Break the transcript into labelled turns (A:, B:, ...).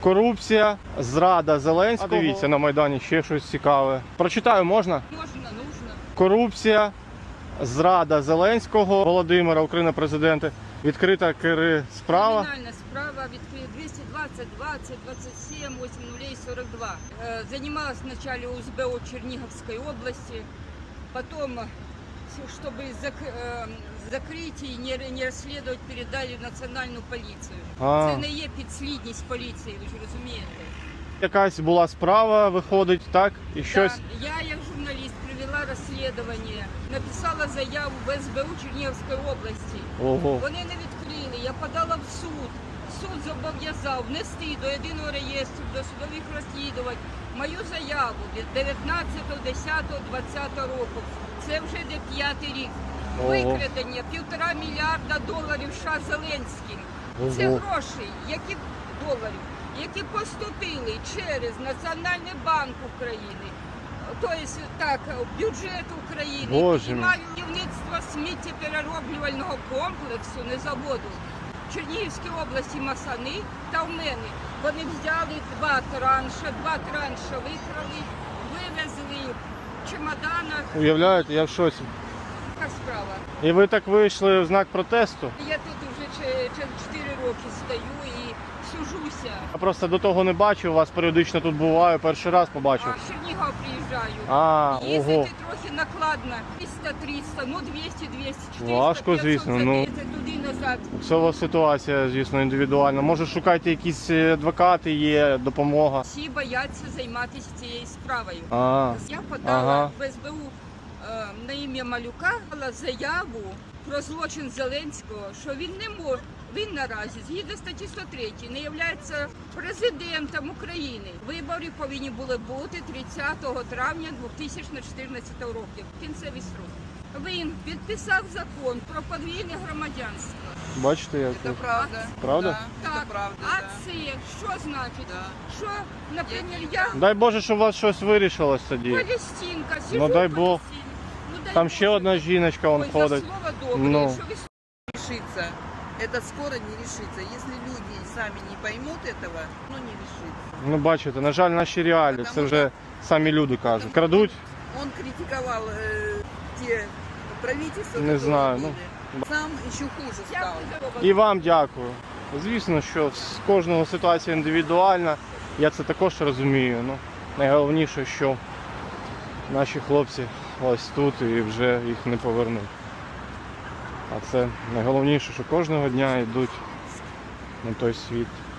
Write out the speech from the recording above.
A: Корупція, зрада Зеленського. А дивіться, на Майдані ще щось цікаве. Прочитаю можна?
B: Можна, нужно.
A: Корупція, зрада Зеленського, Володимира, Україна, президенти. Відкрита справа.
B: Криминальная справа відкрита 220 20 27 8042. Занималась вначале УСБО Черниговской области, потом, чтобы закрыть и не расследовать, передали в національну поліцію. Це не є підслідність поліції, ви ж розумієте.
A: Якась була справа, виходить, так? І щось...
B: Так, я як журналіст провела розслідування, написала заяву в СБУ Чернігівської області.
A: Ого.
B: Вони не відкрили, я подала в суд. Суд зобов'язав внести до єдиного реєстру досудових розслідувань мою заяву від 19.10.2020 року. Це вже йде 5-й рік. Викрадення $1,5 мільярда США Зеленським. Це гроші, які доларів, які поступили через Національний банк України, тобто так, бюджет України, будівництво сміттєперероблювального комплексу, не заводу, в Чернігівській області Масани та в мене. Вони взяли два транша викрали, вивезли в чемоданах.
A: Уявляєте, я в шоці.
B: Така справа.
A: І ви так вийшли в знак протесту?
B: Я тут вже 4 роки стою і сужуся.
A: Я просто до того не бачив, вас періодично тут буваю, перший раз побачив.
B: А в Чернігов приїжджаю.
A: Ого.
B: Їздити трохи накладно. 300-300, ну 200-200, 400,
A: Важко, звісно, ну.
B: туди-назад.
A: Це у вас ситуація, звісно, індивідуальна. Може, шукайте якісь адвокати, є допомога.
B: Всі бояться займатися цією справою. Я подала в СБУ на ім'я Малюка заяву про злочин Зеленського, що він не може. Він наразі, згідно статті 103, не є президентом України. Вибори повинні були бути 30 травня 2014 року. Кінцевий срок. Він підписав закон про подвійне громадянство.
A: Бачите, як?
C: Это правда.
A: Правда?
C: Да,
B: Так,
C: это правда,
B: а
C: да.
B: це що значить?
C: Да.
B: Що, наприклад, я
A: Дай Боже, щоб у вас щось вирішилось тоді.
B: Палестинка, сижу
A: Ну, дай
B: в
A: Бог.
B: Палестині. Ну, дай
A: Там
B: Боже.
A: ще одна жіночка, вон
B: Ой,
A: ходить.
B: за слово добре,
A: Ну.
B: що ви
C: Решится. Это скоро не решится. Если люди сами не поймут этого, ну не решится.
A: Ну, бачите, на жаль, наші реалії, це вже самі люди кажуть. Крадуть?
C: Он критиковал те правительства,
A: Не
C: которые
A: знаю,
C: были.
A: ну.
C: Сам еще хуже стал.
B: Дякую за роботу.
A: І вам дякую. Звісно, що з кожного ситуація індивідуальна. Я це також розумію. Ну, найголовніше, що наші хлопці ось тут і вже їх не повернуть. А це найголовніше, що кожного дня йдуть на той світ.